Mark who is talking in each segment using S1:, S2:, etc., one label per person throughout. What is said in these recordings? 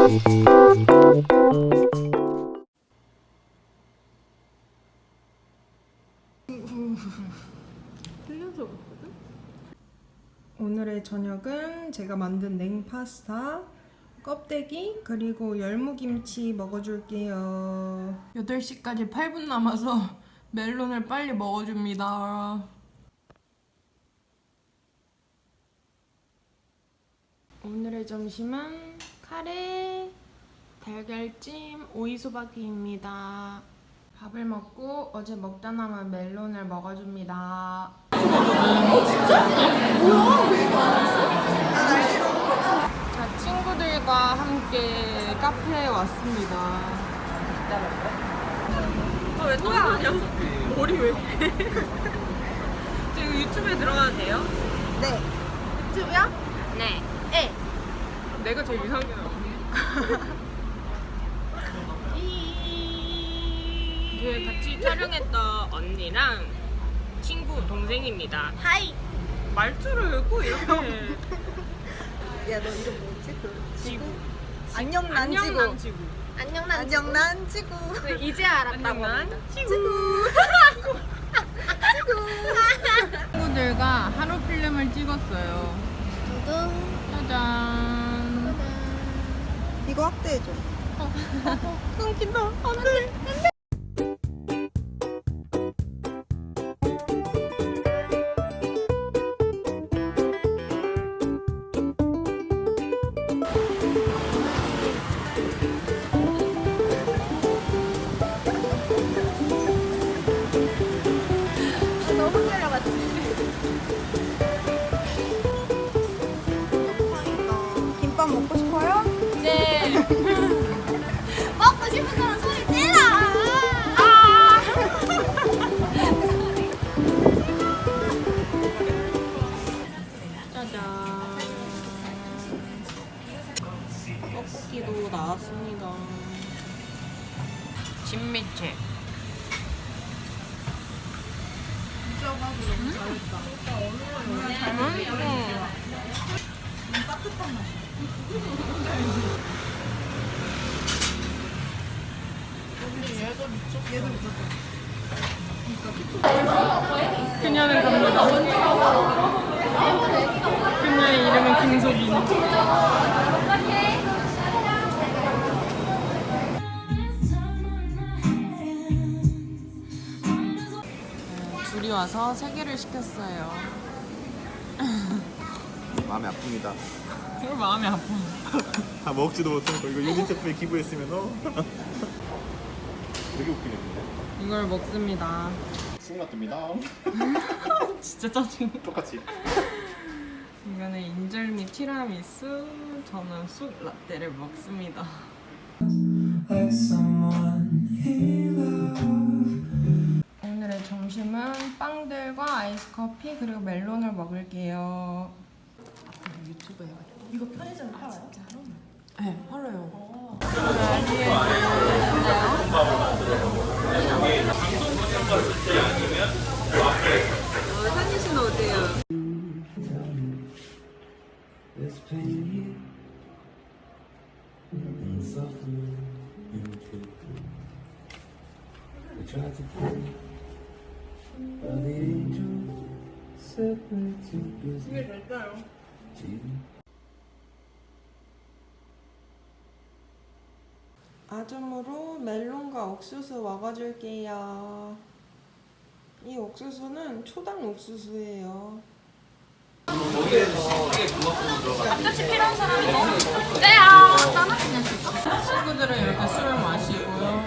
S1: 흘려서 먹거든?
S2: 오늘의 저녁은 제가 만든 냉파스타, 껍데기, 그리고 열무김치 먹어줄게요. 8시까지 8분 남아서 멜론을 빨리 먹어줍니다. 오늘의 점심은 카레, 달걀찜, 오이소박이입니다. 밥을 먹고 어제 먹다 남은 멜론을 먹어줍니다. 자, 친구들과 함께 카페에 왔습니다.
S1: 왜 또 하냐? 머리 왜? 지금 유튜브에 들어가도 돼요?
S2: 네.
S1: 유튜브야? 네.
S2: 내가 제일 이상하게 나와.
S1: 그 같이 촬영했던 언니랑 친구 동생입니다. 하이. 말투를 꼭 이렇게.
S3: 야, 너 이름 뭐지?
S1: 지구.
S3: 안녕 난 지구.
S1: 안녕 지구.
S3: 안녕 난 지구.
S1: 이제 알았다고. 지구.
S2: 친구들과 하루 필름을 찍었어요. 짜잔.
S3: 이거 확대해줘.
S2: 끊긴다. 안 돼.
S3: 너무 끌려갔지. 영상이다. 김밥 먹고 싶어요?
S1: 네.
S3: 먹고 싶은 사람 소리 질러.
S1: 짜잔. 떡볶이도 나왔습니다. 진미채.
S2: 그녀는 갑니다. 그녀의 이름은 김소빈. 둘이 와서 3개를 시켰어요.
S4: 마음이 아픕니다.
S2: 정말 마음이 아파.
S4: 다 먹지도 못하고 이거 유니세프에 기부했으면 되게 웃기네 근데.
S2: 이걸 먹습니다.
S4: 수고가 뜹니다.
S2: 진짜 짜증나.
S4: 똑같이.
S2: 이거는 인절미 티라미수, 저는 쑥 라떼를 먹습니다. 오늘의 점심은 빵들과 아이스 커피 그리고 멜론을 먹을게요.
S1: 유튜브 해가지고.
S3: 이거 편의점에 팔아요?
S2: 네, 팔아요.
S1: 산유 씨는 어때요?
S2: 이게 될까요? 아점으로 멜론과 옥수수 먹어줄게요. 이 옥수수는 초당 옥수수예요. 친구들은 이렇게 술을 마시고요.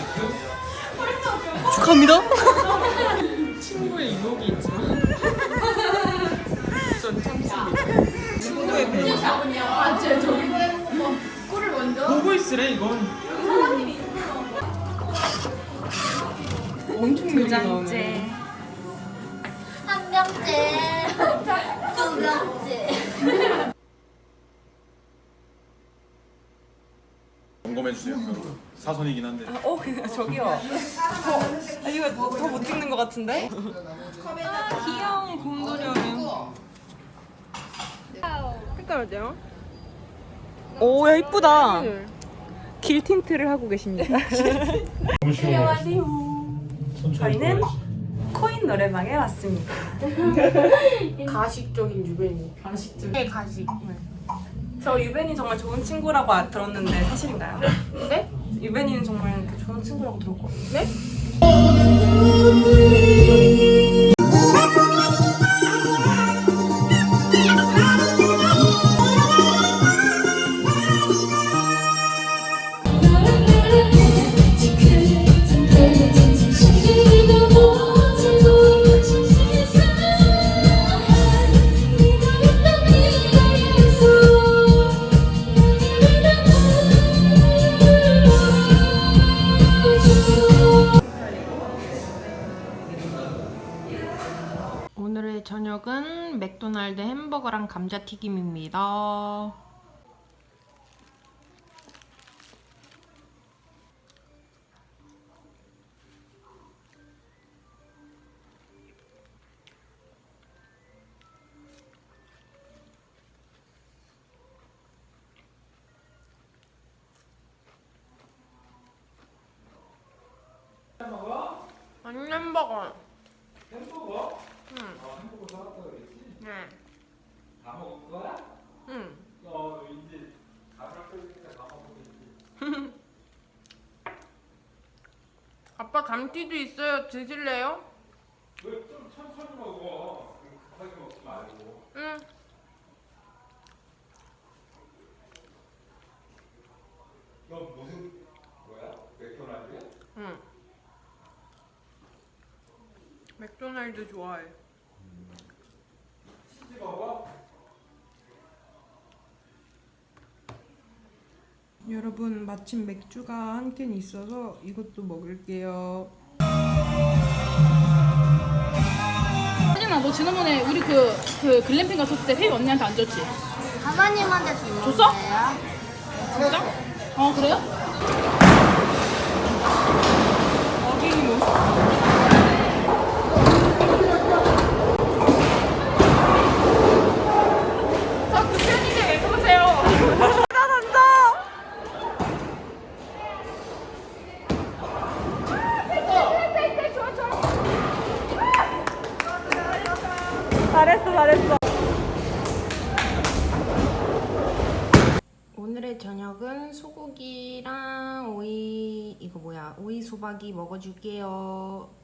S2: 축하합니다. 친구의 유혹이 있지만 전 참습니다. 친구의 배려. 보고 있으래 이건. 엄청 느리게 나오네.
S3: 한 병째, 두 병째.
S4: 점검해주세요. 사선이긴 한데.
S2: 저기요. 이거 더 못 찍는 것 같은데? 귀여운 곰돌이네. 색깔 어때요? 오, 야 이쁘다. 길 틴트를 하고 계십니다. 안녕하세요. 저희는 코인 노래방에 왔습니다.
S1: 가식적인 유배니.
S2: 네, 가식. 저 유벤이 정말 좋은 친구라고 들었는데 사실인가요?
S1: 네?
S2: 유벤이는 정말 이렇게 좋은 친구라고 들었거든요. 네?
S1: 오늘의 저녁은 맥도날드 햄버거랑 감자튀김입니다. 아니 햄버거.
S4: 햄버거?
S1: 응.
S4: 아 햄버거 사왔다 그랬지?
S1: 네.
S4: 다 먹은 거야?
S1: 응.
S4: 이제 다 샀으니까 다 먹겠지.
S1: 아빠 감튀도 있어요. 드실래요?
S4: 왜 좀 천천히 먹어? 급하게 먹지 말고.
S1: 응.
S4: 너 무슨 뭐야? 맥도날드야?
S1: 응. 맥도날드 좋아해.
S4: 치즈 먹어?
S2: 여러분 마침 맥주가 한 캔 있어서 이것도 먹을게요.
S5: 하진아, 너 지난번에 우리 그 글램핑 갔었을 때 회의 언니한테 안 줬지?
S3: 가마님한테 줬는데요.
S5: 줬어? 진짜? 어, 그래요?
S2: 어린이 모습.
S5: 저 구현이들 왜 그러세요?
S2: 잘했어.
S1: 오늘의 저녁은 소고기랑 오이 이거 뭐야? 오이 소박이 먹어줄게요.